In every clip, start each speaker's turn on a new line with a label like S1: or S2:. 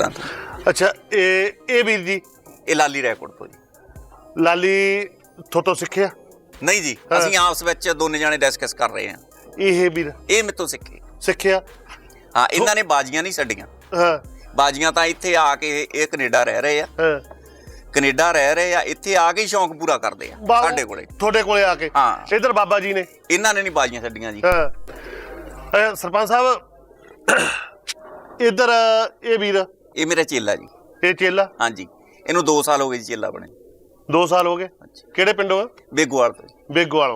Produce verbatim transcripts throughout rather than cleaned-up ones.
S1: ਢਿੱਲਾਂ ਤੋਂ।
S2: ਅੱਛਾ, ਇਹ ਇਹ ਵੀਰ ਜੀ
S1: ਇਹ ਲਾਲੀ ਰੈਕੋਰਡ ਤੋਂ ਜੀ।
S2: ਲਾਲੀ ਥੋਤੋਂ ਸਿੱਖਿਆ?
S1: ਨਹੀਂ ਜੀ, ਅਸੀਂ ਆਪਸ ਵਿੱਚ ਦੋਨੇ ਜਾਣੇ ਡਿਸਕਸ ਕਰ ਰਹੇ ਹਾਂ।
S2: ਇਹ ਵੀਰ
S1: ਇਹ ਮੇਤੋਂ ਸਿੱਖੇ
S2: ਸਿੱਖਿਆ?
S1: ਹਾਂ, ਇਹਨਾਂ ਨੇ ਬਾਜੀਆਂ ਨਹੀਂ ਛੱਡੀਆਂ।
S2: ਹਾਂ,
S1: ਬਾਜੀਆਂ ਤਾਂ ਇੱਥੇ ਆ ਕੇ ਇਹ ਕੈਨੇਡਾ ਰਹਿ ਰਹੇ ਆ।
S2: ਹਾਂ,
S1: ਕੈਨੇਡਾ ਰਹਿ ਰਹੇ ਆ, ਇੱਥੇ ਆ ਕੇ ਸ਼ੌਂਕ ਪੂਰਾ ਕਰਦੇ ਆ ਸਾਡੇ ਕੋਲੇ,
S2: ਤੁਹਾਡੇ ਕੋਲੇ ਆ ਕੇ।
S1: ਹਾਂ,
S2: ਇਧਰ ਬਾਬਾ ਜੀ ਨੇ
S1: ਇਹਨਾਂ ਨੇ ਨਹੀਂ ਬਾਜੀਆਂ ਛੱਡੀਆਂ ਜੀ।
S2: ਹਾਂ, ਸਰਪੰਚ ਸਾਹਿਬ ਇਧਰ ਇਹ ਵੀਰ,
S1: ਇਹ ਮੇਰਾ ਚੇਲਾ ਜੀ।
S2: ਇਹ ਚੇਲਾ?
S1: ਹਾਂਜੀ, ਇਹਨੂੰ ਦੋ ਸਾਲ ਹੋ ਗਏ ਜੀ ਚੇਲਾ ਬਣੇ।
S2: ਦੋ ਸਾਲ ਹੋ ਗਏ? ਕਿਹੜੇ ਪਿੰਡੋਂ?
S1: ਬੇਗੋਵਾਲ ਤੋਂ।
S2: ਬੇਗੋਵਾਲੋਂ।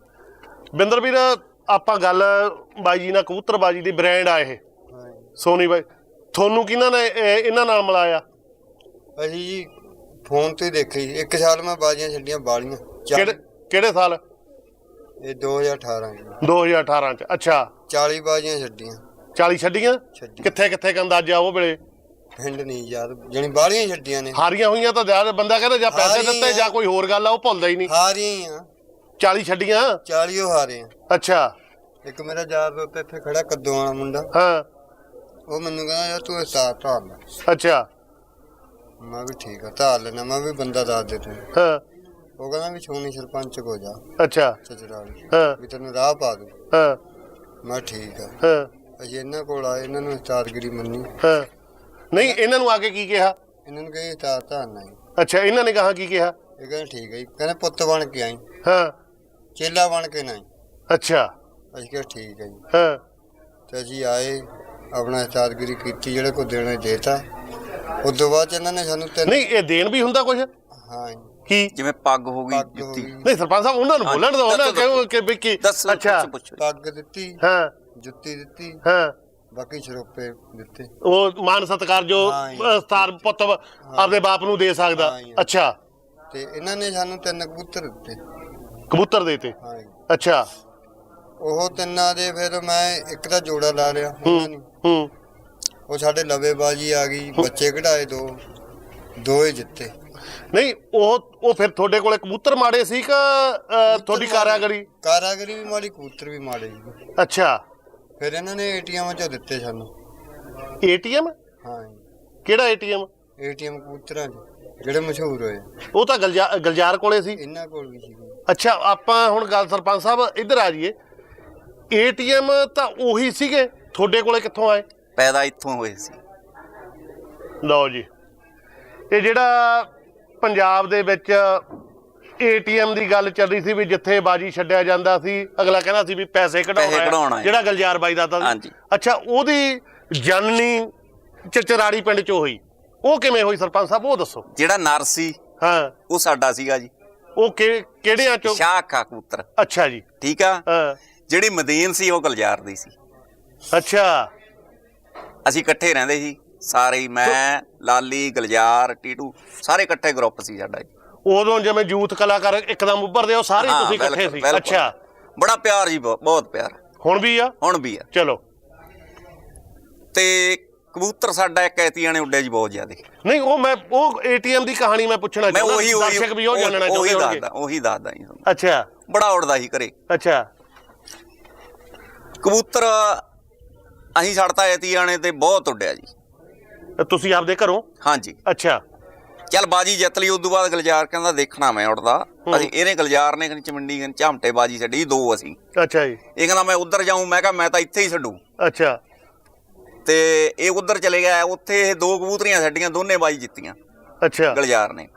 S2: ਬਿੰਦਰ ਵੀਰ, ਆਪਾਂ ਗੱਲ ਬਾਈ ਜੀ ਨਾਲ ਕਬੂਤਰਬਾਜੀ ਦੀ ਬ੍ਰਾਂਡ ਆ ਇਹ ਸੋਨੀ ਬਾਈ, ਤੁਹਾਨੂੰ ਕਿਹਨਾਂ ਨੇ ਇਹਨਾਂ ਨਾਲ ਮਿਲਾਇਆ?
S3: ਅਸੀਂ ਜੀ ਫੋਨ ਤੇ ਦੇਖੀ। ਇੱਕ ਸਾਲ ਮੈਂ ਬਾਜੀਆਂ ਛੱਡੀਆਂ ਬਾਲੀਆਂ।
S2: ਕਿਹੜੇ ਕਿਹੜੇ ਸਾਲ?
S3: ਇਹ ਦੋ ਹਜ਼ਾਰ ਅਠਾਰਾਂ
S2: ਦੋ ਹਜ਼ਾਰ ਅਠਾਰਾਂ ਚ। ਅੱਛਾ,
S3: ਚਾਲੀ ਬਾਜੀਆਂ ਛੱਡੀਆਂ।
S2: ਚਾਲੀ ਛੱਡੀਆਂ?
S3: ਛੱਡੀ।
S2: ਕਿੱਥੇ ਕਿੱਥੇ ਕ ਅੰਦਾਜ਼ਾ ਉਹ ਵੇਲੇ?
S3: ਪਿੰਡ ਨਹੀਂ ਯਾਦ, ਜਾਣੀ ਬਾਲੀਆਂ ਛੱਡੀਆਂ ਨੇ।
S2: ਹਾਰੀਆਂ ਹੋਈਆਂ ਤਾਂ ਜ਼ਿਆਦਾ ਬੰਦਾ ਕਹਿੰਦਾ ਜਾਂ ਪੈਸੇ ਦਿੱਤੇ ਜਾਂ ਕੋਈ ਹੋਰ ਗੱਲ ਆ, ਉਹ ਭੁੱਲਦਾ ਹੀ ਨਹੀਂ।
S3: ਹਾਰੀਆਂ ਹੀ ਆ।
S2: ਚਾਲੀ ਛੱਡੀਆਂ?
S3: ਚਾਲੀ ਉਹ ਹਾਰੇ ਆ।
S2: ਅੱਛਾ।
S3: ਇੱਕ ਮੇਰਾ ਯਾਰ ਉੱਤੇ ਇੱਥੇ ਖੜਾ ਕੱਦੋਂ ਵਾਲਾ ਮੁੰਡਾ,
S2: ਹਾਂ,
S3: ਉਹ ਮੈਨੂੰ ਕਹਿੰਦਾ ਯਾਰ ਤੂੰ ਉਸਤਾਦ ਧਾਰ ਲੈ।
S2: ਅੱਛਾ।
S3: ਮੈਂ ਵੀ ਠੀਕ ਆ, ਧਾਰ ਲੈਣਾ। ਮੈਂ ਵੀ ਬੰਦਾ ਦੱਸ ਦੇ ਤੂੰ।
S2: ਹਾਂ।
S3: ਉਹ ਕਹਿੰਦਾ ਵੀ ਛੋਣੀ ਸਰਪੰਚ ਕੋ ਜਾ।
S2: ਅੱਛਾ।
S3: ਚਚਰਾਲੀ।
S2: ਹਾਂ।
S3: ਵੀ ਤੈਨੂੰ ਰਾਹ ਪਾ ਦੂ।
S2: ਹਾਂ।
S3: ਮੈਂ ਠੀਕ ਆ।
S2: ਹਾਂ।
S3: ਅਸੀਂ ਇਹਨਾਂ ਕੋਲ ਆਏ, ਇਹਨਾਂ ਨੂੰ ਉਸਤਾਦਗਿਰੀ ਮੰਨੀ।
S2: ਹਾਂ। ਨਹੀਂ, ਇਹਨਾਂ ਨੂੰ ਆ ਕੇ ਕੀ ਕਿਹਾ?
S3: ਇਹਨਾਂ ਨੂੰ ਕਹੇ ਉਸਤਾਦ ਧਾਰਨਾ ਹੀ।
S2: ਅੱਛਾ, ਇਹਨਾਂ ਨੇ ਕਹਾ ਕੀ ਕਿਹਾ?
S3: ਇਹ ਕਹਿੰਦੇ ਠੀਕ ਹੈ ਜੀ। ਕਹਿੰਦੇ ਪੁੱਤ ਬਣ ਕੇ ਆਈ,
S2: ਹਾਂ।
S3: ਚੇਲਾ ਬਣ ਕੇ ਨਹੀਂ।
S2: ਅੱਛਾ।
S3: ਅਸੀਂ ਕਿਹਾ ਠੀਕ ਹੈ ਜੀ।
S2: ਹਾਂ।
S3: ਤੇ ਅਸੀਂ ਆਏ, ਆਪਣਾ ਉਸਤਾਦਗਿਰੀ ਕੀਤੀ, ਜਿਹੜੇ ਕੋ ਦੇਣਾ ਦੇਤਾ। ਉਸ ਤੋਂ ਬਾਅਦ ਇਹਨਾਂ ਨੇ ਸਾਨੂੰ ਤਿੰਨ।
S2: ਨਹੀਂ, ਇਹ ਦੇਣ ਵੀ ਹੁੰਦਾ ਕੁਝ?
S3: ਹਾਂ।
S2: ਕੀ?
S1: ਜਿਵੇਂ ਪੱਗ ਹੋ ਗਈ,
S3: ਪੱਗ ਹੋ
S1: ਜੁੱਤੀ।
S3: ਗਈ।
S2: ਨਹੀਂ ਸਰਪੰਚ ਸਾਹਿਬ, ਉਹਨਾਂ ਨੂੰ ਬੋਲਣ ਦਿਓ ਨਾ, ਕਹੋ ਕਿ ਵੀ ਕੀ।
S1: ਅੱਛਾ,
S3: ਪੱਗ ਦਿੱਤੀ,
S2: ਹਾਂ,
S3: ਜੁੱਤੀ ਦਿੱਤੀ,
S2: ਹਾਂ,
S3: ਬਾਕੀ ਸਰੋਪੇ ਦਿੱਤੇ।
S2: ਉਹ ਮਾਨ ਸਤਿਕਾਰ ਜੋ ਸਤਾਰ ਪੁੱਤ ਆਪਦੇ ਬਾਪ ਨੂੰ ਦੇ ਸਕਦਾ। ਅੱਛਾ।
S3: ਤੇ ਇਹਨਾਂ ਨੇ ਸਾਨੂੰ ਤਿੰਨ ਕਬੂਤਰ ਦਿੱਤੇ।
S2: ਕਬੂਤਰ ਦੇਤੇ?
S3: ਹਾਂ।
S2: ਅੱਛਾ।
S3: ਉਹ ਤਿੰਨਾਂ ਦੇ ਫਿਰ ਮੈਂ ਇੱਕ ਦਾ ਜੋੜਾ ਲਾ ਲਿਆ ਉਹਨਾਂ ਨੇ।
S2: ਹੂੰ।
S3: ਉਹ ਸਾਡੇ ਲਵੇਬਾਜੀ ਆ ਗਈ, ਬੱਚੇ ਕਢਾਏ, ਦੋ ਦੋ ਹੀ ਜਿੱਤੇ।
S2: ਨਹੀਂ, ਉਹ ਉਹ ਫਿਰ ਤੁਹਾਡੇ ਕੋਲੇ ਕਬੂਤਰ ਮਾੜੇ ਸੀ ਕਿ ਤੁਹਾਡੀ ਕਾਰਾਗਰੀ?
S3: ਕਾਰਾਗਰੀ ਵੀ ਮਾੜੀ, ਕਬੂਤਰ ਵੀ ਮਾੜੇ ਜੀ।
S2: ਅੱਛਾ।
S3: ਫਿਰ ਇਹਨਾਂ ਨੇ ਏਟੀਐਮ ਚੋਂ ਦਿੱਤੇ ਸਾਨੂੰ।
S2: ਏਟੀਐਮ?
S3: ਹਾਂ।
S2: ਕਿਹੜਾ ਏਟੀਐਮ?
S3: ਏਟੀਐਮ ਕਬੂਤਰਾਂ ਦੇ ਜਿਹੜੇ ਮਸ਼ਹੂਰ ਹੋਏ।
S2: ਉਹ ਤਾਂ ਗਲਜਾ ਗਲਜਾਰ ਕੋਲੇ ਸੀ।
S3: ਇਹਨਾਂ ਕੋਲ ਵੀ ਸੀ।
S2: ਅੱਛਾ, ਆਪਾਂ ਹੁਣ ਗੱਲ ਸਰਪੰਚ ਸਾਹਿਬ ਇੱਧਰ ਆ ਜਾਈਏ। ਏਟੀਐਮ ਤਾਂ ਉਹੀ ਸੀਗੇ, ਤੁਹਾਡੇ ਕੋਲੇ ਕਿੱਥੋਂ ਆਏ?
S1: ਪੈਦਾ ਇੱਥੋਂ ਹੋਏ ਸੀ।
S2: ਲਓ ਜੀ, ਇਹ ਜਿਹੜਾ ਪੰਜਾਬ ਦੇ ਵਿੱਚ ਏਟੀਐਮ ਦੀ ਗੱਲ ਚੱਲ ਰਹੀ ਸੀ ਵੀ ਜਿੱਥੇ ਬਾਜੀ ਛੱਡਿਆ ਜਾਂਦਾ ਸੀ, ਅਗਲਾ ਕਹਿੰਦਾ ਸੀ ਵੀ ਪੈਸੇ ਕਢਾਉਣਾ, ਜਿਹੜਾ ਗਲਜਾਰ ਬਾਈ ਦਾ ਤਾਂ। ਅੱਛਾ, ਉਹਦੀ ਜਨਨੀ ਚਚਰਾੜੀ ਪਿੰਡ ਚ ਹੋਈ, ਉਹ ਕਿਵੇਂ ਹੋਈ ਸਰਪੰਚ ਸਾਹਿਬ, ਉਹ ਦੱਸੋ।
S1: ਜਿਹੜਾ ਨਰ ਸੀ, ਹਾਂ, ਉਹ ਸਾਡਾ ਸੀਗਾ ਜੀ।
S2: ਉਹ ਕਿਹੜਿਆਂ ਚੋਂ?
S1: ਸ਼ਾਖਾ ਕਬੂਤਰ।
S2: ਅੱਛਾ ਜੀ,
S1: ਠੀਕ ਆ। ਜਿਹੜੀ ਮਦੀਨ ਸੀ ਉਹ ਗਲਜਾਰ ਦੀ ਸੀ।
S2: ਅੱਛਾ।
S1: ਅਸੀਂ ਇਕੱਠੇ ਰਹਿੰਦੇ ਸੀ ਸਾਰੇ, ਮੈਂ, ਲਾਲੀ, ਗਲਜਾਰ, ਟੀਟੂ, ਸਾਰੇ ਇਕੱਠੇ ਗਰੁੱਪ ਸੀ ਸਾਡਾ ਜੀ।
S2: ਉਦੋਂ ਜਿਵੇਂ ਯੂਥ ਕਲਾਕਾਰ ਇੱਕਦਮ ਉੱਭਰਦੇ, ਉਹ ਸਾਰੇ ਤੁਸੀਂ ਇਕੱਠੇ ਸੀ? ਅੱਛਾ।
S1: ਬੜਾ ਪਿਆਰ ਜੀ, ਬਹੁਤ ਪਿਆਰ।
S2: ਹੁਣ ਵੀ ਆ? ਹੁਣ ਵੀ ਆ। ਚਲੋ।
S1: ਤੇ ਕਬੂਤਰ ਸਾਡਾ ਇੱਕ ਐਤੀਆਂ ਨੇ ਉੱਡਿਆ ਜੀ ਬਹੁਤ ਜ਼ਿਆਦਾ।
S2: ਨਹੀਂ, ਉਹ ਮੈਂ ਉਹ ਏਟੀਐਮ ਦੀ ਕਹਾਣੀ ਮੈਂ ਪੁੱਛਣਾ ਚਾਹੁੰਦਾ, ਦਰਸ਼ਕ ਵੀ ਉਹ ਜਾਣਨਾ ਚਾਹੁੰਦੇ ਹੋਣਗੇ।
S1: ਉਹੀ ਦੱਸਦਾ ਜੀ।
S2: ਅੱਛਾ।
S1: ਬੜਾ ਉੱਡਦਾ ਸੀ ਘਰੇ।
S2: ਅੱਛਾ।
S1: ਕਬੂਤਰ ਅਸੀਂ ਛੱਡਤਾ ਐਤੀਆਂ ਨੇ ਤੇ ਬਹੁਤ ਉੱਡਿਆ ਜੀ।
S2: ਤੁਸੀਂ ਆਪਦੇ ਘਰੋਂ? ਹਾਂਜੀ। ਅੱਛਾ।
S1: ਚੱਲ ਬਾਜੀ ਜਿੱਤ ਲਈ, ਉਦੋਂ ਬਾਅਦ ਗਲਜਾਰ ਕਹਿੰਦਾ ਦੇਖਣਾ ਮੈਂ ਉੱਡਦਾ। ਅਸੀਂ ਇਹਨੇ ਗਲਜਾਰ ਨੇ ਚਮੰਡੀ ਝਾਮਟੇ ਬਾਜੀ ਛੱਡੀ ਦੋ ਅਸੀਂ।
S2: ਅੱਛਾ ਜੀ।
S1: ਇਹ ਕਹਿੰਦਾ ਮੈਂ ਉੱਧਰ ਜਾਊਂ, ਮੈਂ ਕਿਹਾ ਮੈਂ ਤਾਂ ਇੱਥੇ ਹੀ ਛੱਡੂ।
S2: ਅੱਛਾ।
S1: ਤੇ ਇਹ ਉੱਧਰ ਚਲੇ ਗਿਆ, ਉੱਥੇ ਇਹ ਦੋ ਕਬੂਤਰੀਆਂ ਛੱਡੀਆਂ, ਦੋਨੇ ਬਾਜੀ ਜਿੱਤੀਆਂ।
S2: ਅੱਛਾ।
S1: ਗਲਜਾਰ ਨੇ।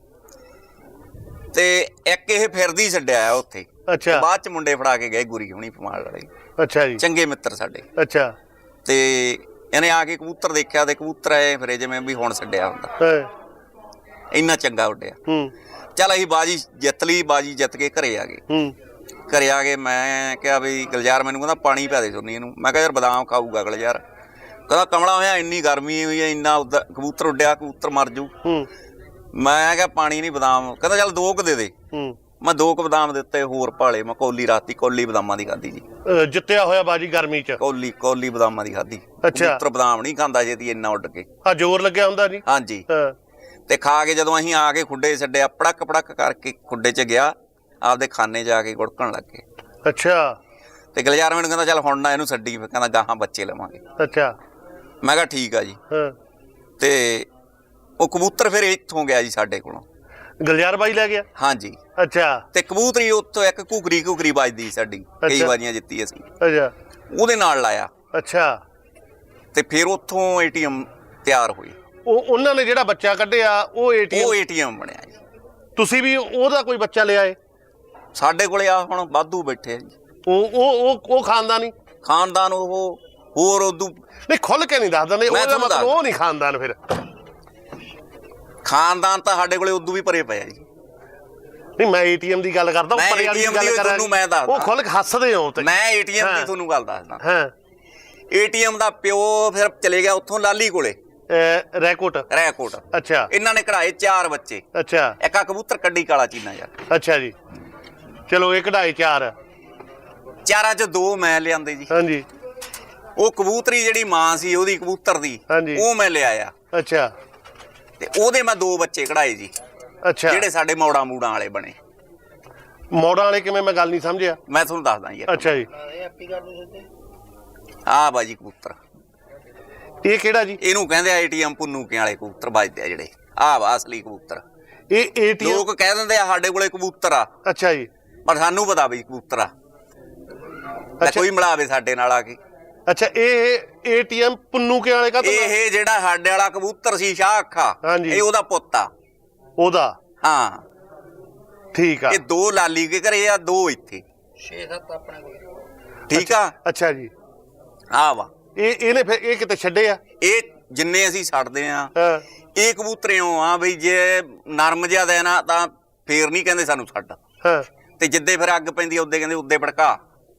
S1: ਤੇ ਇੱਕ ਇਹ ਫਿਰਦੀ ਛੱਡਿਆ ਉੱਥੇ। ਅੱਛਾ। ਬਾਅਦ ਚ ਮੁੰਡੇ ਫੜਾ ਕੇ ਗਏ ਗੁਰੀ ਹੁਣੀ ਫਮਾਲ ਵਾਲੇ।
S2: ਅੱਛਾ ਜੀ।
S1: ਚੰਗੇ ਮਿੱਤਰ ਸਾਡੇ।
S2: ਅੱਛਾ।
S1: ਤੇ ਇਹਨੇ ਆ ਕੇ ਕਬੂਤਰ ਦੇਖਿਆ ਤੇ ਕਬੂਤਰ ਆਏ ਫਿਰ ਜਿਵੇਂ ਵੀ ਹੁਣ ਛੱਡਿਆ ਹੁੰਦਾ, ਇੰਨਾ ਚੰਗਾ ਉੱਡਿਆ। ਚੱਲ ਅਸੀਂ ਬਾਜੀ ਜਿੱਤ ਲਈ, ਬਾਜੀ ਜਿੱਤ ਕੇ ਘਰੇ ਆ ਗਏ। ਘਰੇ ਆ ਗਏ, ਮੈਂ ਕਿਹਾ ਵੀ ਗਲਜਾਰ ਮੈਨੂੰ ਕਹਿੰਦਾ ਪਾਣੀ ਪਿਆ ਦੇ ਸੁਣੀ ਇਹਨੂੰ। ਮੈਂ ਕਿਹਾ ਯਾਰ ਬਦਾਮ ਖਾਊਗਾ ਗਲਜਾਰ। ਕਹਿੰਦਾ ਕਮਲਾ ਹੋਇਆ, ਇੰਨੀ ਗਰਮੀ ਹੋਈ ਹੈ, ਇੰਨਾ ਉੱਧਰ ਕਬੂਤਰ ਉੱਡਿਆ, ਕਬੂਤਰ ਮਰ ਜੂ। ਮੈਂ ਕਿਹਾ ਪਾਣੀ ਨਹੀਂ, ਬਦਾਮ। ਕਹਿੰਦਾ ਚੱਲ ਦੋ ਕੁ ਦੇ ਦੇ। ਮੈਂ ਦੋ ਕੁ ਬਦਾਮ ਦਿੱਤੇ, ਹੋਰ ਭਾਲੇ। ਮੈਂ ਕੌਲੀ ਰਾਤੀ ਕੌਲੀ ਬਦਾਮਾਂ ਦੀ ਖਾਧੀ ਜੀ। ਜਿੱਤਿਆ ਹੋਇਆ ਬਾਜੀ ਗਰਮੀ ਚ ਕੌਲੀ ਕੌਲੀ ਬਦਾਮਾਂ ਦੀ ਖਾਧੀ। ਕਬੂਤਰ ਬਦਾਮ ਨਹੀਂ ਖਾਂਦਾ ਛੇਤੀ ਇੰਨਾ ਉੱਡ ਕੇ। ਆ ਜ਼ੋਰ ਲੱਗਿਆ ਹੁੰਦਾ ਜੀ। ਹਾਂਜੀ। ਤੇ ਖਾ ਕੇ ਜਦੋਂ ਅਸੀਂ ਆ ਕੇ ਖੁੱਡੇ ਛੱਡਿਆ, ਪੜਕ ਪੜਕ ਕਰਕੇ ਖੁੱਡੇ ਚ ਗਿਆ, ਆਪਦੇ ਖਾਨੇ ਜਾ ਕੇ ਗੁੜਕਣ ਲੱਗ ਗਏ। ਅੱਛਾ। ਤੇ ਗਲਜਾਰ ਮੈਨੂੰ ਕਹਿੰਦਾ ਚੱਲ ਹੁਣ ਨਾ ਇਹਨੂੰ ਛੱਡੀ, ਕਹਿੰਦਾ ਗਾਹਾਂ ਬੱਚੇ ਲਵਾਂਗੇ। ਅੱਛਾ। ਮੈਂ ਕਿਹਾ ਠੀਕ ਆ ਜੀ। ਤੇ ਉਹ ਕਬੂਤਰ ਫਿਰ ਇੱਥੋਂ ਗਿਆ ਜੀ ਸਾਡੇ ਕੋਲੋਂ।
S2: ਗਲਿਆਰ ਬਾਈ ਲੈ ਗਿਆ?
S1: ਹਾਂਜੀ।
S2: ਅੱਛਾ।
S1: ਤੇ ਕਬੂਤਰੀ ਉੱਥੋਂ ਇੱਕ ਘੁਗਰੀ ਘੁਗਰੀ ਵੱਜਦੀ ਸਾਡੀ, ਕਈ ਵਾਰੀਆਂ ਜਿੱਤੀ ਅਸੀਂ,
S2: ਅੱਛਾ,
S1: ਉਹਦੇ ਨਾਲ ਲਾਇਆ।
S2: ਅੱਛਾ।
S1: ਤੇ ਫਿਰ ਉੱਥੋਂ ਏਟੀਐਮ ਤਿਆਰ ਹੋਈ।
S2: ਉਹ ਉਹਨਾਂ ਨੇ ਜਿਹੜਾ ਬੱਚਾ ਕੱਢਿਆ ਉਹ ਏਟੀਐਮ
S1: ਉਹ ਏਟੀਐਮ ਬਣਿਆ ਜੀ।
S2: ਤੁਸੀਂ ਵੀ ਉਹਦਾ ਕੋਈ ਬੱਚਾ ਲਿਆ ਏ?
S1: ਸਾਡੇ ਕੋਲੇ ਆ ਹੁਣ ਵਾਧੂ ਬੈਠੇ ਆ ਜੀ।
S2: ਉਹ ਉਹ ਉਹ ਉਹ ਖਾਨਦਾਨੀ
S1: ਖਾਨਦਾਨ ਉਹ ਹੋਰ ਉਦੋਂ
S2: ਨਹੀਂ ਖੁੱਲ ਕੇ ਨਹੀਂ ਦੱਸ ਦਿੰਦੇ, ਉਹਦਾ ਮਤਲਬ ਉਹ ਨਹੀਂ ਖਾਨਦਾਨ। ਫਿਰ
S1: ਖਾਨਦਾਨ ਤਾਂ ਸਾਡੇ ਕੋਲੇ ਉਦੋਂ ਵੀ ਭਰੇ ਪਏ ਆ ਜੀ।
S2: ਨਹੀਂ ਮੈਂ ਏਟੀਐਮ ਦੀ ਗੱਲ ਕਰਦਾ, ਉੱਪਰ ਵਾਲੀ ਗੱਲ ਕਰ ਰਿਹਾ। ਉਹ ਖੁੱਲ ਕੇ ਹੱਸਦੇ ਹੋ ਤੇ
S1: ਮੈਂ ਏਟੀਐਮ ਦੀ ਤੁਹਾਨੂੰ ਗੱਲ ਦੱਸਦਾ।
S2: ਹਾਂ।
S1: ਏਟੀਐਮ ਦਾ ਪਿਓ ਫਿਰ ਚਲੇ ਗਿਆ ਉੱਥੋਂ ਲਾਲੀ ਕੋਲੇ,
S2: ਰੈਕੋਟ
S1: ਰੈਕੋਟ।
S2: ਅੱਛਾ।
S1: ਇਹਨਾਂ ਨੇ ਕਢਾਏ ਚਾਰ ਬੱਚੇ।
S2: ਅੱਛਾ।
S1: ਇੱਕ ਆ ਕਬੂਤਰ ਕੱਢੀ ਕਾਲਾ ਚੀਨਾ ਯਾਰ।
S2: ਅੱਛਾ ਜੀ, ਚਲੋ ਇਹ ਕਢਾਏ ਚਾਰ,
S1: ਚਾਰਾਂ ਚ ਦੋ ਮੈਂ ਲਿਆਂਦੇ ਜੀ।
S2: ਹਾਂਜੀ।
S1: ਉਹ ਕਬੂਤਰੀ ਜਿਹੜੀ ਮਾਂ ਸੀ ਉਹਦੀ ਕਬੂਤਰ ਦੀ, ਉਹ ਮੈਂ ਲਿਆਇਆ।
S2: ਅੱਛਾ।
S1: ਤੇ ਉਹਦੇ ਮੈਂ ਦੋ ਬੱਚੇ ਕਢਾਏ ਜੀ।
S2: ਅੱਛਾ।
S1: ਜਿਹੜੇ ਸਾਡੇ ਮੌੜਾ ਮੂੜਾਂ ਵਾਲੇ ਬਣੇ।
S2: ਮੌੜਾਂ ਵਾਲੇ ਕਿਵੇਂ? ਮੈਂ ਗੱਲ ਨਹੀਂ ਸਮਝਿਆ।
S1: ਮੈਂ ਤੁਹਾਨੂੰ ਦੱਸਦਾ ਜੀ।
S2: ਅੱਛਾ ਜੀ।
S1: ਆਹ ਬਾਜੀ ਕਬੂਤਰ,
S2: ਇਹ ਕਿਹੜਾ ਜੀ?
S1: ਇਹਨੂੰ ਕਹਿੰਦੇ ਆ ਏਟੀਐਮ ਪੁੰਨੂਕੇ ਵਾਲੇ ਕਬੂਤਰ ਵੱਜਦੇ ਆ ਜਿਹੜੇ। ਆਹ ਵਾ ਅਸਲੀ ਕਬੂਤਰ।
S2: ਇਹ ਏਟੀਐਮ
S1: ਲੋਕ ਕਹਿ ਦਿੰਦੇ ਆ ਸਾਡੇ ਕੋਲੇ ਕਬੂਤਰ ਆ।
S2: ਅੱਛਾ ਜੀ।
S1: ਪਰ ਸਾਨੂੰ ਪਤਾ ਵੀ ਕਬੂਤਰ ਆ। ਕੋਈ ਮਿਲਾਵੇ ਸਾਡੇ ਨਾਲ ਆ ਕੇ।
S2: ਅੱਛਾ। ਇਹ ਏਟੀਐਮ ਪੁੰਨੂਕੇ ਵਾਲੇ ਕਾ?
S1: ਇਹ ਜਿਹੜਾ ਸਾਡੇ ਵਾਲਾ ਕਬੂਤਰ ਸੀ ਸ਼ਾਹ ਅੱਖਾ, ਇਹ ਉਹਦਾ ਪੁੱਤ ਆ।
S2: ਉਹਦਾ? ਹਾਂ, ਠੀਕ ਆ।
S1: ਇਹ ਦੋ ਲਾਲੀ ਕੇ ਘਰੇ ਆ, ਦੋ ਇੱਥੇ,
S4: ਛੇ ਸੱਤ ਆਪਣੇ ਕੋਲ।
S1: ਠੀਕ ਆ।
S2: ਅੱਛਾ ਜੀ।
S1: ਆ ਵਾ
S2: ਇਹ ਇਹਨੇ ਫਿਰ ਇਹ ਕਿਤੇ ਛੱਡੇ ਆ?
S1: ਇਹ ਜਿੰਨੇ ਅਸੀਂ ਛੱਡਦੇ ਆ ਇਹ ਕਬੂਤਰਿਓਂ ਆ ਬਈ ਜੇ ਨਰਮ ਜਿਹਾ ਦੇਣਾ ਤਾਂ ਫੇਰ ਨਹੀਂ ਕਹਿੰਦੇ ਸਾਨੂੰ ਛੱਡ।
S2: ਹਾਂ।
S1: ਤੇ ਜਿੱਦੇ ਫਿਰ ਅੱਗ ਪੈਂਦੀ ਆ ਉੱਦੇ ਕਹਿੰਦੇ ਉੱਦੇ ਭੜਕਾ।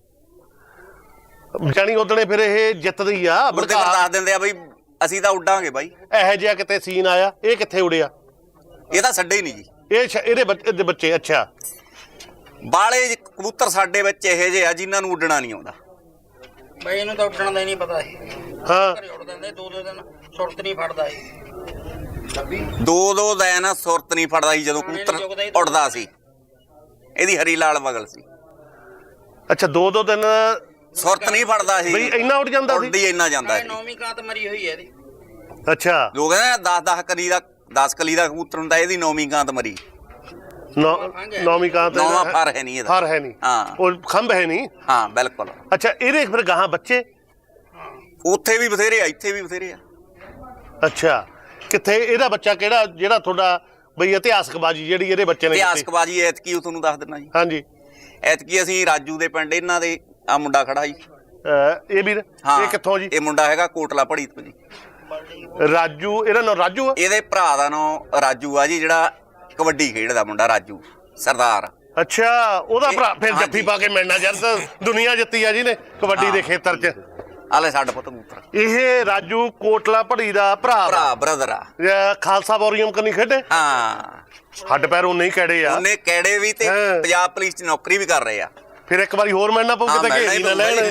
S2: ਜਾਣੀ ਉਦਣੇ ਫਿਰ ਇਹ ਜਿੱਤਦੀ ਆ,
S1: ਉੱਦੇ ਫਿਰ ਦੱਸ ਦਿੰਦੇ ਆ ਬਈ ਅਸੀਂ ਤਾਂ ਉੱਡਾਂਗੇ ਬਾਈ।
S2: ਇਹੋ ਜਿਹਾ ਕਿਤੇ ਸੀਨ ਆਇਆ? ਇਹ ਕਿੱਥੇ ਉੜਿਆ?
S1: ਇਹ ਤਾਂ ਛੱਡੇ ਹੀ ਨਹੀਂ ਜੀ।
S2: ਇਹ ਇਹਦੇ ਬੱਚੇ? ਅੱਛਾ।
S1: ਬਾਲੇ ਕਬੂਤਰ ਸਾਡੇ ਵਿੱਚ ਇਹੋ ਜਿਹੇ ਆ ਜਿਨ੍ਹਾਂ ਨੂੰ ਉੱਡਣਾ ਨਹੀਂ ਆਉਂਦਾ
S4: ਬਈ। ਇਹਨੂੰ ਤਾਂ ਉੱਡਣ ਦਾ ਹੀ ਨਹੀਂ ਪਤਾ ਸੀ।
S2: ਹਾਂ।
S4: ਘਰੇ ਉੱਡ ਦਿੰਦੇ, ਦੋ ਦੋ ਦਿਨ ਸੁਰਤ ਨਹੀਂ ਫੜਦਾ ਸੀ।
S1: ਦੋ ਦੋ ਦਿਨ ਸੁਰਤ ਨਹੀਂ ਫੜਦਾ ਸੀ ਜਦੋਂ ਕਬੂਤਰ ਉੱਡਦਾ ਸੀ। ਇਹਦੀ ਹਰੀ ਲਾਲ ਬਗਲ ਸੀ।
S2: ਅੱਛਾ। ਦੋ ਦੋ ਦਿਨ
S1: ਸੁਰਤ ਨਹੀਂ ਫੜਦਾ ਸੀ
S2: ਬਈ, ਇੰਨਾ ਉੱਡ ਜਾਂਦਾ ਸੀ?
S1: ਉੱਡਦੀ ਇੰਨਾ ਜਾਂਦਾ ਸੀ।
S4: ਨੌਵੀਂ ਕਾਤ ਮਰੀ ਹੋਈ ਹੈ ਇਹਦੀ।
S2: ਅੱਛਾ।
S1: ਲੋਕ ਕਹਿੰਦੇ ਦਸ ਦਸ ਕਲੀ ਦਾ ਦਸ ਕਲੀ ਦਾ ਕਬੂਤਰ ਹੁੰਦਾ, ਇਹਦੀ ਨੌਵੀਂ ਕਾਂਤ ਮਰੀ।
S2: ਨੌਵੀਂ ਕਾਂਤ?
S1: ਨੌਵਾਂ ਫਰ ਹੈ ਨਹੀਂ ਇਹਦਾ।
S2: ਫਰ ਹੈ ਨਹੀਂ।
S1: ਹਾਂ।
S2: ਉਹ ਖੰਭ ਹੈ ਨਹੀਂ।
S1: ਹਾਂ ਬਿਲਕੁਲ।
S2: ਅੱਛਾ। ਇਹਦੇ ਫਿਰ ਗਾਹਾਂ ਬੱਚੇ?
S1: ਉੱਥੇ ਵੀ ਬਥੇਰੇ ਆ, ਇੱਥੇ ਵੀ ਬਥੇਰੇ ਆ।
S2: ਅੱਛਾ। ਕਿੱਥੇ ਇਹਦਾ ਬੱਚਾ ਕਿਹੜਾ ਜਿਹੜਾ ਤੁਹਾਡਾ ਬਈ ਇਤਿਹਾਸਕ ਬਾਜੀ ਜਿਹੜੀ ਇਹਦੇ ਬੱਚੇ ਨੇ?
S1: ਇਤਿਹਾਸਕ ਬਾਜੀ ਐਤਕੀ ਉਹ ਤੁਹਾਨੂੰ ਦੱਸ ਦਿੰਦਾ ਜੀ।
S2: ਹਾਂਜੀ।
S1: ਐਤਕੀ ਅਸੀਂ ਰਾਜੂ ਦੇ ਪਿੰਡ ਇਹਨਾਂ ਦੇ ਆ ਮੁੰਡਾ ਖੜਾ ਜੀ।
S2: ਇਹ ਵੀਰ ਇਹ ਕਿੱਥੋਂ ਜੀ?
S1: ਇਹ ਮੁੰਡਾ ਹੈਗਾ ਕੋਟਲਾ ਪੜੀ ਤੋਂ ਜੀ।
S2: ਰਾਜੂ? ਇਹਦਾ ਨਾਮ ਰਾਜੂ ਆ?
S1: ਇਹਦੇ ਭਰਾ ਦਾ ਨਾਮ ਰਾਜੂ ਆ ਜੀ, ਜਿਹੜਾ ਕਬੱਡੀ ਖੇਡਦਾ ਮੁੰਡਾ ਰਾਜੂ ਸਰਦਾਰ।
S2: ਅੱਛਾ। ਉਹਦਾ ਭਰਾ ਫਿਰ ਜੱਫੀ ਪਾ ਕੇ ਮਿਲਣਾ ਯਾਰ, ਤਾਂ ਦੁਨੀਆ ਜਿੱਤੀ ਆ ਜੀ ਨੇ ਕਬੱਡੀ ਦੇ ਖੇਤਰ 'ਚ।
S1: ਆਲੇ ਸਾਡਾ ਪੁੱਤ ਕਬੂਤਰ।
S2: ਇਹ ਰਾਜੂ ਕੋਟਲਾ ਪੜੀ ਦਾ ਭਰਾ?
S1: ਭਰਾ ਬ੍ਰਦਰ ਆ।
S2: ਖਾਲਸਾ ਬੋਰੀਅਮ ਕਨੀ ਖੇਡੇ?
S1: ਹਾਂ।
S2: ਹੱਡ ਪੈਰ ਉਹ ਨਹੀਂ ਕਿਹੜੇ ਆ
S1: ਉਹਨੇ ਕਿਹੜੇ ਵੀ ਤੇ ਪੰਜਾਬ ਪੁਲਿਸ 'ਚ ਨੌਕਰੀ ਵੀ ਕਰ ਰਹੇ ਆ।
S2: ਫਿਰ ਇੱਕ ਵਾਰੀ ਹੋਰ ਮਿਲਣਾ ਪਊ ਕਿਤੇ, ਘੇਰੀ ਨਾ ਲੈਣ।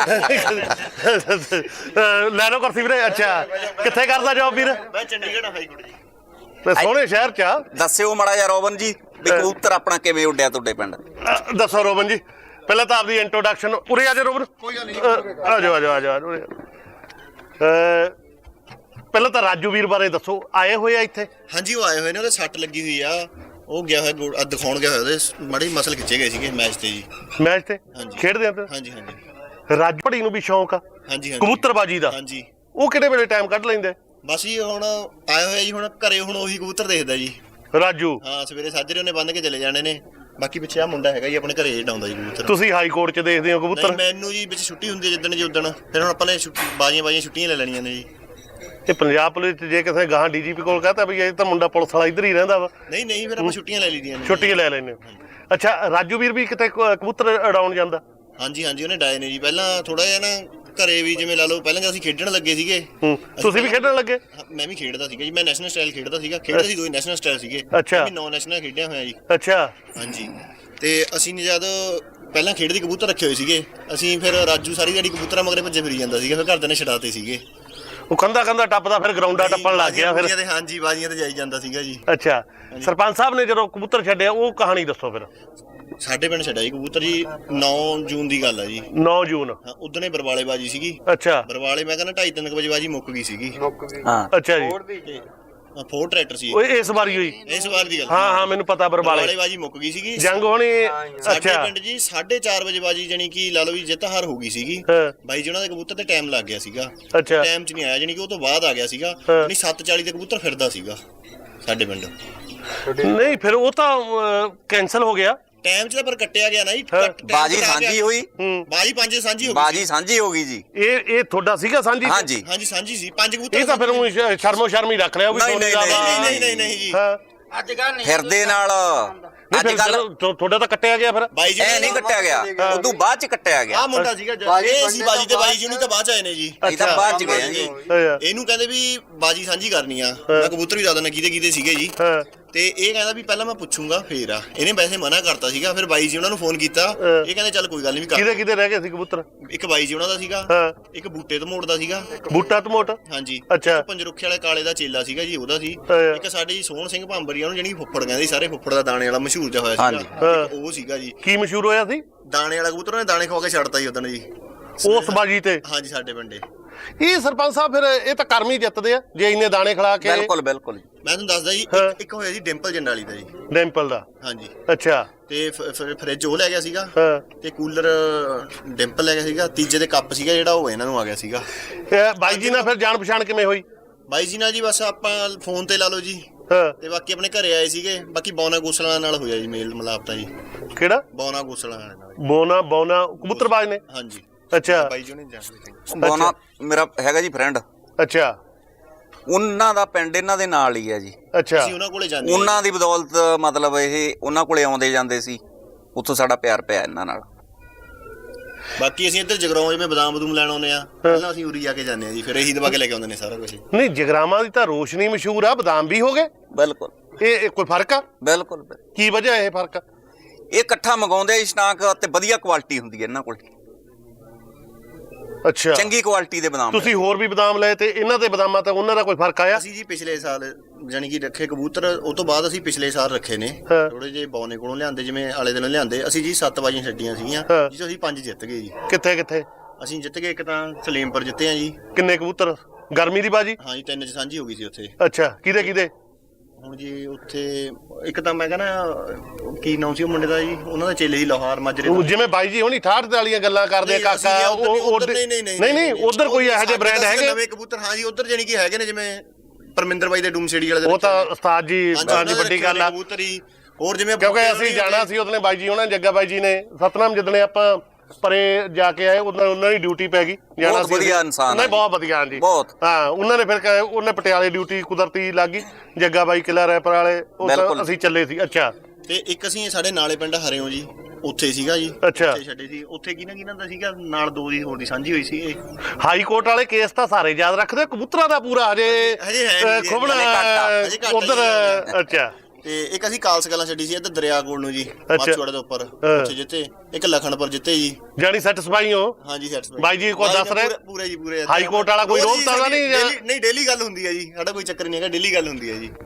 S2: ਲੈ ਲਓ ਕੁਰਸੀ ਵੀਰੇ। ਅੱਛਾ। ਕਿੱਥੇ ਕਰਦਾ ਜੋਬ ਵੀਰ?
S4: ਮੈਂ ਚੰਡੀਗੜ੍ਹ ਹਾਈ ਕੋਰਟ ਜੀ।
S2: ਤੇ ਸੋਹਣੇ ਸ਼ਹਿਰ 'ਚ ਆ।
S1: ਦੱਸਿਓ ਮਾੜਾ ਜਿਹਾ ਰੋਬਨ ਜੀ ਵੀ ਕਬੂਤਰ ਆਪਣਾ ਕਿਵੇਂ ਉੱਡਿਆ ਤੁਹਾਡੇ ਪਿੰਡ?
S2: ਦੱਸੋ ਰੋਬਨ ਜੀ, ਪਹਿਲਾਂ ਤਾਂ ਆਪਦੀ ਇੰਟਰੋਡਕਸ਼ਨ। ਉਰੇ ਆ ਜਾ ਰੋਬਨ। ਆ ਜਾਓ ਆ ਜਾਓ ਆ ਜਾਓ। ਪਹਿਲਾਂ ਤਾਂ ਰਾਜੂ ਵੀਰ ਬਾਰੇ ਦੱਸੋ, ਆਏ ਹੋਏ ਆ ਇੱਥੇ?
S5: ਹਾਂਜੀ, ਉਹ ਆਏ ਹੋਏ ਨੇ, ਉਹਦੇ ਸੱਟ ਲੱਗੀ ਹੋਈ ਆ। ਉਹ ਗਿਆ ਹੋਇਆ ਗੋਲ ਦਿਖਾਉਣ ਗਿਆ ਹੋਇਆ, ਉਹਦੇ ਮਾੜੀ ਮਸਲ ਖਿੱਚੇ ਗਏ ਸੀਗੇ ਮੈਚ ਤੇ ਜੀ।
S2: ਮੈਚ ਤੇ
S5: ਹਾਂਜੀ।
S2: ਖੇਡਦੇ ਆ?
S5: ਹਾਂਜੀ ਹਾਂਜੀ।
S2: ਰਾਜੂ ਭੜੀ ਨੂੰ ਵੀ ਸ਼ੌਂਕ ਆ
S5: ਹਾਂਜੀ ਹਾਂਜੀ
S2: ਕਬੂਤਰਬਾਜੀ ਦਾ?
S5: ਹਾਂਜੀ।
S2: ਉਹ ਕਿਹੜੇ ਵੇਲੇ ਟਾਈਮ ਕੱਢ ਲੈਂਦੇ?
S5: ਬਸ ਜੀ ਹੁਣ ਆਏ ਹੋਇਆ ਜੀ, ਹੁਣ ਘਰੇ ਹੁਣ ਉਹੀ ਕਬੂਤਰ ਦੇਖਦਾ ਜੀ
S2: ਰਾਜੂ।
S5: ਹਾਂ, ਸਵੇਰੇ ਸਾਜਰੇ ਉਹਨੇ ਬੰਨ ਕੇ ਚਲੇ ਜਾਣੇ ਨੇ। ਬਾਕੀ ਪਿੱਛੇ ਆ ਮੁੰਡਾ ਹੈਗਾ ਜੀ ਆਪਣੇ ਘਰੇ ਡਾਉਂਦਾ ਜੀ ਕਬੂਤਰ।
S2: ਤੁਸੀਂ ਹਾਈ ਕੋਰਟ 'ਚ ਦੇਖਦੇ ਹੋ ਕਬੂਤਰ?
S5: ਨਹੀਂ, ਮੈਨੂੰ ਜੀ ਵਿੱਚ ਛੁੱਟੀ ਹੁੰਦੀ ਹੈ ਜਿੱਦਣ ਜੀ ਉਦਣ। ਫਿਰ ਹੁਣ ਆਪਾਂ ਨੇ ਬਾਜੀਆਂ ਬਾਜੀਆਂ ਛੁੱਟੀਆਂ ਲੈ ਲੈਣੀਆਂ ਨੇ ਜੀ।
S2: ਤੇ ਪੰਜਾਬ ਪੁਲਿਸ 'ਚ ਜੇ ਕਿਸੇ ਗਾਹਾਂ ਡੀਜੀਪੀ ਕੋਲ ਕਹਤਾ ਵੀ ਇਹ ਤਾਂ ਮੁੰਡਾ ਪੁਲਿਸ ਵਾਲਾ ਇੱਧਰ ਹੀ ਰਹਿੰਦਾ ਵਾ?
S5: ਨਹੀਂ ਨਹੀਂ, ਫਿਰ ਆਪਾਂ ਛੁੱਟੀਆਂ ਲੈ ਲਈਆਂ ਨੇ।
S2: ਛੁੱਟੀਆਂ ਲੈ ਲੈਂਦੇ ਹੋ? ਅੱਛਾ। ਰਾਜੂ ਵੀਰ ਵੀ ਕਿਤੇ ਕਬੂਤਰ ਉਡਾਉਣ ਜਾਂਦਾ?
S5: ਹਾਂਜੀ ਹਾਂਜੀ, ਉਹਨੇ ਡਾਏ ਨੇ ਜੀ। ਪਹਿਲਾਂ ਥੋੜਾ ਜਿਹਾ ਨਾ ਘਰੇ ਵੀ ਜਿਵੇਂ ਲਾ ਲਓ, ਪਹਿਲਾਂ ਜਦ ਅਸੀਂ ਖੇਡਣ ਲੱਗੇ ਸੀਗੇ।
S2: ਤੁਸੀਂ ਵੀ ਖੇਡਣ ਲੱਗੇ?
S5: ਮੈਂ ਵੀ ਖੇਡਦਾ ਸੀਗਾ ਜੀ। ਮੈਂ ਨੈਸ਼ਨਲ ਸਟਾਈਲ ਖੇਡਦਾ ਸੀਗਾ। ਖੇਡਦਾ ਸੀ ਦੋ ਨੈਸ਼ਨਲ ਸਟਾਈਲ ਸੀਗੇ।
S2: ਅੱਛਾ।
S5: ਮੈਂ ਨੌ ਨੈਸ਼ਨਲ ਖੇਡਿਆ ਹੋਇਆ ਜੀ।
S2: ਅੱਛਾ।
S5: ਹਾਂਜੀ। ਤੇ ਅਸੀਂ ਨੇ ਜਦ ਪਹਿਲਾਂ ਖੇਡਦੇ ਕਬੂਤਰ ਰੱਖੇ ਹੋਏ ਸੀਗੇ ਅਸੀਂ, ਫਿਰ ਰਾਜੂ ਸਾਰੀ ਦਿਹਾੜੀ ਕਬੂਤਰਾਂ ਮਗਰੇ ਭੱਜੇ ਫਿਰੀ ਜਾਂਦਾ ਸੀਗਾ। ਫਿਰ ਘਰਦਿਆਂ ਨੇ ਛਡਾਤੇ ਸੀਗੇ।
S2: ਉਹ ਕੰਧਾ ਕੰਧਾ ਟੱਪਦਾ ਫਿਰ ਗਰਾਊਂਡਾਂ ਟੱਪਣ ਲੱਗ ਗਿਆ ਫਿਰ।
S5: ਬਾਜ਼ੀਆਂ ਤੇ ਹਾਂਜੀ ਬਾਜ਼ੀਆਂ ਤੇ ਜਾਈ ਜਾਂਦਾ ਸੀਗਾ ਜੀ।
S2: ਅੱਛਾ, ਸਰਪੰਚ ਸਾਹਿਬ ਨੇ ਜਦੋਂ ਕਬੂਤਰ ਛੱਡਿਆ ਉਹ ਕਹਾਣੀ ਦੱਸੋ ਫਿਰ।
S5: ਸਾਡੇ ਪਿੰਡ ਛੱਡਿਆ ਜੀ ਕਬੂਤਰ ਜੀ ਨੌ ਜੂਨ ਦੀ ਗੱਲ ਆ ਜੀ।
S2: ਨੌ ਜੂਨ।
S5: ਹਾਂ ਉਦਣੇ ਬਰਵਾਲੇ ਬਾਜੀ ਸੀਗੀ।
S2: ਅੱਛਾ।
S5: ਬਰਵਾਲੇ ਮੈਂ ਕਹਿੰਦਾ ਢਾਈ ਤਿੰਨ ਵਜੇ ਬਾਜੀ ਮੁੱਕ ਗਈ ਸੀਗੀ।
S1: ਹਾਂ
S2: ਅੱਛਾ ਜੀ।
S5: ਹਾਂ ਫੋਰ ਟਰੈਕਟਰ ਸੀ
S2: ਉਹ ਇਸ ਵਾਰੀ ਹੋਈ।
S5: ਇਸ ਵਾਰ ਦੀ ਗੱਲ।
S2: ਹਾਂ ਹਾਂ ਮੈਨੂੰ ਪਤਾ ਬਰਵਾਲੇ।
S5: ਬਰਵਾਲੇ ਬਾਜੀ ਮੁੱਕ ਗਈ ਸੀਗੀ।
S2: ਜੰਗ ਹੋਣੀ।
S5: ਸਾਡੇ
S2: ਅੱਛਾ।
S5: ਪਿੰਡ ਜੀ ਸਾਢੇ ਚਾਰ ਵਜੇ ਬਾਜੀ ਜਾਨੀ ਕਿ ਲਾ ਲਓ ਵੀ ਜਿੱਤ ਹਾਰ ਹੋ ਗਈ ਸੀਗੀ।
S2: ਹਾਂ।
S5: ਬਾਈ ਜੀ ਉਹਨਾਂ ਦੇ ਕਬੂਤਰ ਤੇ ਟਾਈਮ ਲੱਗ ਗਿਆ ਸੀਗਾ।
S2: ਅੱਛਾ।
S5: ਟਾਈਮ 'ਚ ਨਹੀਂ ਆਇਆ ਜਾਨੀ ਕਿ ਉਹ ਤੋਂ ਬਾਅਦ ਆ ਗਿਆ ਸੀਗਾ।
S2: ਹਾਂ।
S5: ਜਾਨੀ ਸੱਤ ਚਾਲੀ ਤੇ ਕਬੂਤਰ ਫਿਰਦਾ ਸੀਗਾ ਸਾਡੇ ਪਿੰਡ।
S2: ਨਹੀਂ ਫਿਰ ਉਹ ਤਾਂ ਕੈਨਸਲ ਹੋ ਗਿਆ।
S5: ਟਾਈਮ 'ਚ ਤਾਂ ਪਰ ਕੱਟਿਆ ਗਿਆ ਨਾ ਜੀ।
S2: ਹਾਂ।
S5: ਕੱਟ- time
S1: ਬਾਜੀ
S5: ਕਟਾ
S1: ਸਾਂਝੀ
S5: ਗਿਆ।
S1: ਹੋਈ।
S2: ਹੂੰ।
S5: ਬਾਜੀ ਪੰਜ ਸਾਂਝੀ ਹੋ ਗਈ
S1: ਬਾਜੀ
S5: ਸੀ।
S1: ਸਾਂਝੀ ਹੋ ਗਈ ਜੀ।
S2: ਇਹ ਇਹ ਤੁਹਾਡਾ ਸੀਗਾ ਸਾਂਝੀ?
S1: ਹਾਂਜੀ
S5: ਹਾਂਜੀ ਸਾਂਝੀ ਸੀ ਪੰਜ ਕਬੂਤਰ।
S2: ਇਹ ਤਾਂ ਫਿਰ ਊਂ ਸ਼- ਸ਼ਰਮੋ ਸ਼ਰਮੀ ਰੱਖ ਲਿਆ ਉਹ ਵੀ
S1: ਨਹੀਂ,
S2: ਸੋਨੀ
S1: ਨਹੀਂ,
S2: ਦਾ
S1: ਨਹੀਂ,
S2: ਵਾ।
S5: ਨਹੀਂ ਨਹੀਂ ਨਹੀਂ ਜੀ।
S2: ਹਾਂ।
S4: ਅੱਜ ਕੱਲ ਨਹੀਂ
S1: ਫਿਰਦੇ ਨਾਲ
S2: ਨਹੀਂ
S1: ਅੱਜ
S2: ਫਿਰ
S1: ਕੱਲ
S2: ਜਦੋਂ ਤੁਹਾਡਾ ਤਾਂ ਕੱਟਿਆ ਗਿਆ ਫਿਰ।
S5: ਬਾਈ ਜੀ
S1: ਐ ਨਹੀਂ ਕੱਟਿਆ ਗਿਆ, ਉਦੋਂ ਬਾਅਦ ਚ ਕੱਟਿਆ ਗਿਆ।
S5: ਆ ਮੁੰਡਾ ਸੀਗਾ
S3: ਬਾਜੀ
S5: ਇਹ ਸੀ
S3: ਬੰਦੇ
S5: ਬਾਜੀ ਤੇ
S3: ਤਾਂ
S5: ਬਾਈ ਜੀ ਨਹੀਂ ਤਾਂ ਬਾਅਦ ਚ ਆਏ ਨੇ ਜੀ।
S1: ਅਸੀਂ ਤਾਂ
S2: ਅੱਛਾ।
S1: ਬਾਅਦ ਚ ਗਏ ਆ ਜੀ।
S2: ਅੱਛਾ।
S5: ਇਹਨੂੰ ਕਹਿੰਦੇ ਵੀ ਬਾਜੀ ਸਾਂਝੀ ਕਰਨੀ ਆ। ਮੈਂ ਕਬੂਤਰ ਵੀ ਜ਼ਿਆਦਾ ਨਾ ਕਿਤੇ ਕਿਤੇ ਸੀਗੇ ਜੀ।
S2: ਹਾਂ।
S5: ਤੇ ਇਹ ਕਹਿੰਦਾ ਵੀ ਪਹਿਲਾਂ ਮੈਂ ਪੁੱਛੂੰਗਾ ਫੇਰ ਆ। ਇਹਨੇ ਵੈਸੇ ਮਨਾ ਕਰਤਾ ਸੀਗਾ। ਫਿਰ ਬਾਈ ਜੀ ਉਹਨਾਂ ਨੂੰ ਫੋਨ ਕੀਤਾ।
S2: ਹਾਂ।
S5: ਇਹ ਕਹਿੰਦੇ ਚੱਲ ਕੋਈ ਗੱਲ ਨਹੀਂ ਵੀ
S2: ਕਿਹਦੇ
S5: ਕਰ।
S2: ਕਿਹਦੇ ਰਹਿ ਗਏ ਸੀ ਕਬੂਤਰ?
S5: ਇੱਕ ਬਾਈ ਜੀ ਉਹਨਾਂ ਦਾ ਸੀਗਾ।
S2: ਹਾਂ।
S5: ਇੱਕ ਬੂਟੇ ਤੋਂ ਮੋੜਦਾ ਸੀਗਾ।
S2: ਬੂਟਾ ਟਮੋਟ।
S5: ਹਾਂਜੀ।
S2: ਅੱਛਾ।
S5: ਇੱਕ ਪੰਜਰੁੱਖੇ ਵਾਲੇ ਕਾਲੇ ਦਾ ਚੇਲਾ ਸੀਗਾ ਜੀ ਉਹਦਾ ਸੀ।
S2: ਹਾਂ।
S5: ਇੱਕ ਸਾਡੇ ਜੀ ਸੋਹਣ ਸਿੰਘ ਭਾਂਬਰੀ ਉਹਨੂੰ ਜਿਹੜੀ ਫੁੱਫੜ ਕਹਿੰਦੇ ਸੀ, ਸਾਰੇ ਫੁੱਫੜ ਦਾ ਦਾਣੇ ਵਾਲਾ ਮਸ਼ਹੂਰ ਜਿਹਾ ਹੋਇਆ
S1: ਹਾਂਜੀ।
S5: ਸੀਗਾ।
S2: ਹਾਂ।
S5: ਇੱਕ ਉਹ ਸੀਗਾ ਜੀ
S2: ਕੀ ਮਸ਼ਹੂਰ ਹੋਇਆ ਸੀ
S5: ਦਾਣੇ ਵਾਲਾ ਕਬੂਤਰ। ਉਹਨੇ ਦਾਣੇ ਖਵਾ ਕੇ ਛੱਡਤਾ ਜੀ ਉਦੋਂ ਜੀ।
S2: ਉਸ ਬਾਜੀ ਤੇ?
S5: ਹਾਂਜੀ ਸਾਡੇ ਪਿੰਡੇ।
S2: ਇਹ ਸਰਪੰਚ ਸਾਹਿਬ ਫਿਰ ਇਹ ਤਾਂ ਕਰਮ ਹੀ ਜਿੱਤਦੇ ਆ ਜੇ ਇੰਨੇ ਦਾਣੇ ਖਿਲਾ ਕੇ।
S1: ਬਿਲਕੁਲ ਬਿਲਕੁਲ।
S5: ਮੈਂ ਤੁਹਾਨੂੰ ਦੱਸਦਾ ਜੀ
S2: ਹਾਂ।
S5: ਇੱਕ- ਇੱਕ ਹੋਇਆ ਜੀ ਡਿੰਪਲ ਜੰਡਾਲੀ ਦਾ ਜੀ।
S2: ਡੈਂਪਲ ਦਾ?
S5: ਹਾਂਜੀ।
S2: ਅੱਛਾ।
S5: ਤੇ ਫ- ਫ- ਫਰਿੱਜ ਉਹ ਲੈ ਗਿਆ ਸੀਗਾ।
S2: ਹਾਂ।
S5: ਤੇ ਕੂਲਰ ਡਿੰਪਲ ਲੈ ਗਿਆ ਸੀਗਾ। ਤੀਜੇ ਦੇ ਕੱਪ ਸੀਗਾ ਜਿਹੜਾ ਉਹ ਇਹਨਾਂ ਨੂੰ ਆ ਗਿਆ ਸੀਗਾ।
S2: ਇਹ ਬਾਈ ਜੀ ਨਾਲ ਫਿਰ ਜਾਣ ਪਛਾਣ ਕਿਵੇਂ ਹੋਈ?
S5: ਬਾਈ ਜੀ ਨਾਲ ਜੀ ਬਸ ਆਪਾਂ ਫੋਨ ਤੇ ਲਾ ਲਓ ਜੀ।
S2: ਹਾਂ।
S5: ਤੇ ਬਾਕੀ ਆਪਣੇ ਘਰੇ ਆਏ ਸੀਗੇ। ਬਾਕੀ ਬੌਨਾ ਗੋਸਲਾ ਨਾਲ ਹੋਇਆ ਜੀ ਮੇਲ ਮਿਲਾਪ ਤਾਂ ਜੀ।
S2: ਕਿਹੜਾ?
S5: ਬੌਨਾ ਗੋਸਲਾ ਵਾਲੇ ਨਾਲ।
S2: ਬੋਨਾ ਬੋਨਾ ਕਬੂਤਰਬਾਜ਼ ਨੇ?
S5: ਹਾਂਜੀ।
S2: ਅੱਛਾ।
S5: ਬਾਈ ਜੀ ਨਹੀਂ ਜਾਣਦੇ।
S1: ਬੋਨਾ ਮੇਰਾ ਹੈਗਾ ਜੀ ਫਰੈਂਡ।
S2: ਅੱਛਾ।
S1: ਉਹਨਾਂ ਦਾ ਪਿੰਡ ਇਹਨਾਂ ਦੇ ਨਾਲ ਹੀ ਹੈ ਜੀ।
S2: ਅੱਛਾ।
S5: ਅਸੀਂ ਉਹਨਾਂ ਕੋਲੇ ਜਾਂਦੇ ਹਾਂ।
S1: ਉਹਨਾਂ ਦੀ ਬਦੌਲਤ ਮਤਲਬ ਇਹ ਉਹਨਾਂ ਕੋਲੇ ਆਉਂਦੇ ਜਾਂਦੇ ਸੀ, ਉੱਥੋਂ ਸਾਡਾ ਪਿਆਰ ਪਿਆ ਇਹਨਾਂ ਨਾਲ।
S5: ਬਾਕੀ ਅਸੀਂ ਇੱਧਰ ਜਗਰਾਉਂ ਜਿਵੇਂ ਬਦਾਮ ਬਦੂਮ ਲੈਣ ਆਉਂਦੇ ਆ। ਪਹਿਲਾਂ ਅਸੀਂ ਉਰੀ ਜਾ ਕੇ ਜਾਂਦੇ ਆ ਜੀ। ਫਿਰ ਇਹੀ ਦਵਾ ਕੇ ਲੈ ਕੇ ਆਉਂਦੇ ਨੇ ਸਾਰਾ ਕੁਝ।
S2: ਨਹੀਂ ਜਗਰਾਵਾਂ ਦੀ ਤਾਂ ਰੋਸ਼ਨੀ ਮਸ਼ਹੂਰ ਆ, ਬਦਾਮ ਵੀ ਹੋ ਗਏ।
S1: ਬਿਲਕੁਲ
S2: ਇਹ ਇਹ ਕੋਈ ਫਰਕ ਆ?
S1: ਬਿਲਕੁਲ ਬਿਲਕੁਲ।
S2: ਕੀ ਵਜ੍ਹਾ ਇਹ ਫਰਕ ਆ?
S1: ਇਹ ਇਕੱਠਾ ਮੰਗਾਉਂਦੇ ਆ ਸਟਾਕ ਤੇ ਵਧੀਆ ਕੁਆਲਿਟੀ ਹੁੰਦੀ ਹੈ ਇਹਨਾਂ ਕੋਲ।
S2: ਅੱਛਾ।
S1: ਚੰਗੀ ਕੁਆਲਿਟੀ ਦੇ ਬਦਾਮ।
S2: ਤੁਸੀਂ ਹੋਰ ਵੀ ਬਦਾਮ ਲਏ ਤੇ ਇਹਨਾਂ ਦੇ ਬਦਾਮਾਂ ਤੇ ਉਹਨਾਂ ਦਾ ਕੋਈ ਫਰਕ ਆਇਆ?
S5: ਅਸੀਂ ਜੀ ਪਿਛਲੇ ਸਾਲ ਜਾਨੀ ਕਿ ਰੱਖੇ ਕਬੂਤਰ। ਉਹ ਤੋਂ ਬਾਅਦ ਅਸੀਂ ਪਿਛਲੇ ਸਾਲ ਰੱਖੇ ਨੇ
S2: ਹਾਂ।
S5: ਥੋੜੇ ਜਿਹੇ ਬੌਨੇ ਕੋਲੋਂ ਲਿਆਂਦੇ, ਜਿਵੇਂ ਆਲੇ ਦਿਨੋਂ ਲਿਆਂਦੇ। ਅਸੀਂ ਜੀ ਸੱਤ ਬਾਜੀਆਂ ਛੱਡੀਆਂ ਸੀਗੀਆਂ
S2: ਹਾਂ।
S5: ਜਿਸ 'ਚੋਂ ਅਸੀਂ ਪੰਜ ਜਿੱਤ ਗਏ ਜੀ।
S2: ਕਿੱਥੇ ਕਿੱਥੇ?
S5: ਅਸੀਂ ਜਿੱਤ ਗਏ ਇੱਕ ਤਾਂ ਸਲੇਮਪੁਰ ਜਿੱਤੇ ਆ ਜੀ।
S2: ਕਿੰਨੇ ਕਬੂਤਰ? ਗਰਮੀ ਦੀ ਬਾਜੀ?
S5: ਹਾਂ ਜੀ ਤਿੰਨ 'ਚ ਸਾਂਝੀ ਹੋ ਗਈ ਸੀ ਉੱਥੇ।
S2: ਅੱਛਾ। ਕਿਹਦੇ ਕਿਹਦੇ?
S5: ਹੁਣ ਜੀ ਉੱਥੇ ਇੱਕ ਤਾਂ ਮੈਂ ਕਹਿੰਦਾ ਕੀ ਨਾਮ ਸੀ ਉਹ ਮੁੰਡੇ ਦਾ ਜੀ, ਉਹਨਾਂ ਦਾ ਚੇਲੇ ਜੀ ਲੋਹਾਰ ਮਾਜਰੇ
S2: ਉਹ
S5: ਦਾ।
S2: ਜਿਵੇਂ ਬਾਈ ਜੀ ਹੁਣੀ ਠਾਠ ਵਾਲੀਆਂ ਗੱਲਾਂ ਕਰਦੇ ਆ
S5: ਨਹੀਂ,
S2: ਕਾਕਾ
S5: ਅਸੀਂ ਉੱਧਰ
S2: ਉਹ
S5: ਉੱਧਰ ਨਹੀਂ ਨਹੀਂ
S2: ਨਹੀਂ ਨਹੀਂ ਉਧਰ ਕੋਈ ਇਹੋ ਜਿਹੇ ਬ੍ਰਾਂਡ ਹੈਗੇ?
S5: ਨਵੇਂ ਕਬੂਤਰ ਹਾਂ ਜੀ ਉੱਧਰ ਜਾਨੀ ਕਿ ਹੈਗੇ ਨੇ, ਜਿਵੇਂ ਪਰਮਿੰਦਰ ਬਾਈ ਦੇ ਡੂਮਸੇੜੀ ਵਾਲੇ ਦੇ
S2: ਉਹ ਤਾਂ
S5: ਰੱਖੇ ਨੇ।
S2: ਉਸਤਾਦ ਜੀ
S5: ਹਾਂਜੀ, ਉਹਨਾਂ
S2: ਦੀ
S5: ਦੇ
S2: ਵੱਡੀ
S5: ਰੱਖੇ
S2: ਗੱਲ
S5: ਨੇ
S2: ਆ।
S5: ਕਬੂਤਰ ਹੀ। ਹੋਰ ਜਿਵੇਂ
S2: ਕਿਉਂਕਿ
S5: ਬੂਟੇ
S2: ਅਸੀਂ
S5: ਹੋਣੀ
S2: ਜਾਣਾ ਸੀ ਉਹਨੇ ਬਾਈ ਜੀ ਉਹਨਾਂ ਜੱਗਾ ਬਾਈ ਜੀ ਨੇ ਸਤਨਾਮ ਜਿੱਦਣੇ ਆਪਾਂ ਪਰੇ ਜਾ ਕੇ ਆਏ ਉਹਨਾਂ ਉਹਨਾਂ ਦੀ ਡਿਊਟੀ ਪੈ ਗਈ। ਜਾਣਾ
S1: ਬਹੁਤ
S2: ਸੀ
S1: ਵਧੀਆ
S2: ਅਸੀਂ।
S1: ਇਨਸਾਨ
S2: ਨਹੀਂ
S1: ਆ
S2: ਬਹੁਤ ਵਧੀਆ ਜੀ
S1: ਬਹੁਤ।
S2: ਹਾਂ ਉਹਨਾਂ ਨੇ ਫਿਰ ਕ- ਉਹਨੇ ਪਟਿਆਲੇ ਡਿਊਟੀ ਕੁਦਰਤੀ ਲੱਗ ਗਈ। ਜੱਗਾ ਬਾਈ ਕਿਲਾ ਰੈਪਰ ਵਾਲੇ ਉਹ ਤਾਂ
S1: ਬਿਲਕੁਲ।
S2: ਅਸੀਂ ਚੱਲੇ ਸੀ। ਅੱਛਾ।
S5: ਤੇ ਇੱਕ ਅਸੀਂ ਸਾਡੇ ਨਾਲੇ ਪਿੰਡ ਹਰਿਓ ਜੀ ਉੱਥੇ ਸੀਗਾ ਜੀ।
S2: ਅੱਛਾ।
S5: ਉੱਥੇ ਛੱਡੇ ਸੀ। ਉੱਥੇ ਕਿਹਨਾਂ ਕਿਹਨਾਂ ਦਾ ਸੀਗਾ ਨਾਲ ਦੋ ਦੀ ਹੋਰ ਦੀ ਸਾਂਝੀ ਹੋਈ ਸੀ ਇਹ।
S2: ਹਾਈ ਕੋਰਟ ਵਾਲੇ ਕੇਸ ਤਾਂ ਸਾਰੇ ਯਾਦ ਰੱਖਦੇ, ਕਬੂਤਰਾਂ ਦਾ ਪੂਰਾ ਹਜੇ
S5: ਹਜੇ ਹੈ ਨੀ ਜੀ,
S2: ਖੁਬਣਾ
S5: ਹਜੇ ਘੱਟ ਆ, ਹਜੇ ਘੱਟ ਆ
S2: ਉਧਰ।
S5: ਜੀ।
S2: ਅੱਛਾ।
S5: ਤੇ ਇੱਕ ਅਸੀਂ ਕਾਲਸ ਗੱਲਾਂ ਛੱਡੀ ਸੀ ਇੱਧਰ ਦਰਿਆ ਕੋਲ ਨੂੰ ਜੀ, ਮਾਛੂਵਾੜੇ ਦੇ ਉੱਪਰ।
S2: ਹਾਂ।
S5: ਉੱਥੇ ਜਿੱਤੇ। ਇੱਕ ਲਖਣਪੁਰ ਜਿੱਤੇ ਜੀ।
S2: ਜਾਨੀ ਸੈਟੀਸਫਾਈ ਹੋ?
S5: ਹਾਂਜੀ ਸੈਟਸਫਾਈ।
S2: ਬਾਈ ਜੀ ਕੋਈ ਦੱਸ ਰਹੇ?
S5: ਪੂਰੇ ਜੀ ਪੂਰੇ।
S2: ਹਾਈ ਕੋਰਟ ਵਾਲਾ ਕੋਈ
S5: ਉਹ ਜੀ
S2: ਰੋਕ ਤਾਂ
S5: ਸਾਡੀ
S2: ਨਹੀਂ ਜਾਂ-
S5: daily- ਨਹੀਂ ਡੇਲੀ ਗੱਲ ਹੁੰਦੀ ਹੈ ਜੀ। ਸਾਡਾ ਕੋਈ ਚੱਕਰ ਨਹੀਂ ਹੈਗਾ, ਡੇਲੀ ਗੱਲ ਹੁੰਦੀ ਹੈ ਜੀ।